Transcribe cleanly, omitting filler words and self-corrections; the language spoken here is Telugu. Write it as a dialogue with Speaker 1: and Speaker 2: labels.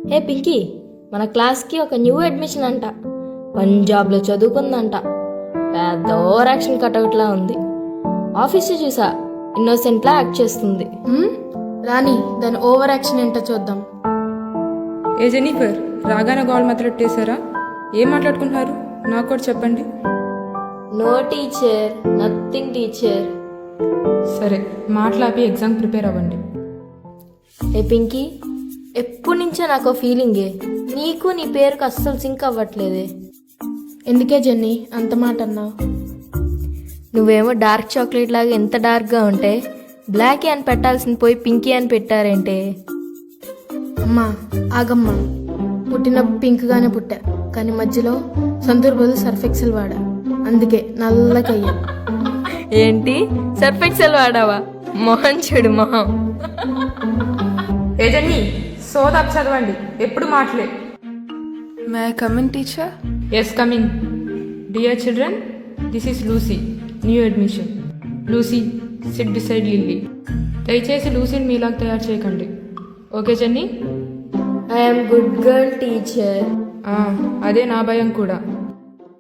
Speaker 1: హే పింకీ, మన క్లాస్కి ఒక న్యూ అడ్మిషన్ అంట. పంజాబ్లో చదువుకుందంట. పెద్ద ఓవర్ యాక్షన్ కటౌట్లా ఉంది. ఆఫీస్ చూసా, ఇన్నోసెంట్లా యాక్ట్ చేస్తుంది.
Speaker 2: రాణి, దాని ఓవర్ యాక్షన్ ఏంటో చూద్దాం.
Speaker 3: ఏ జెనిఫర్, రాగానే గోల్ మాట్లాడేశారా? ఏం మాట్లాడుకుంటున్నారు? నాకు కూడా చెప్పండి.
Speaker 1: No teacher, nothing teacher.
Speaker 3: సరే, మాట్లాపి ఎగ్జామ్ ప్రిపేర్ అవ్వండి.
Speaker 1: హే పింకీ, ఎప్పటి నుంచో నాకు ఫీలింగే, నీకు నీ పేరుకు అస్సలు సింక్ అవ్వట్లేదే.
Speaker 2: ఎందుకే జెన్నీ అంత మాట అన్నావు?
Speaker 1: నువ్వేమో డార్క్ చాక్లెట్ లాగా ఎంత డార్క్గా ఉంటే, బ్లాక్ అని పెట్టాల్సింది పోయి పింకీ అని పెట్టారేంటే?
Speaker 2: అమ్మా ఆగమ్మా, పుట్టినప్పుడు పింక్గానే పుట్టా, కానీ మధ్యలో సంతూర్ బదులు సర్ఫెక్సెల్ వాడా, అందుకే నల్లకయ్యా.
Speaker 1: ఏంటి, సర్ఫెక్సెల్ వాడావా? మొహం చూడు మొహం.
Speaker 3: ఏ జెన్నీ, సోదాపు చదవండి, ఎప్పుడు మాటలే.
Speaker 4: May I come in, teacher?
Speaker 3: Yes, coming. Dear children, this is Lucy, new admission. Lucy, sit beside Lilly. దయచేసి లూసీని మీలాగా తయారు చేయకండి, okay Jenny?
Speaker 1: I'm good girl teacher.
Speaker 3: అదే నా భయం కూడా.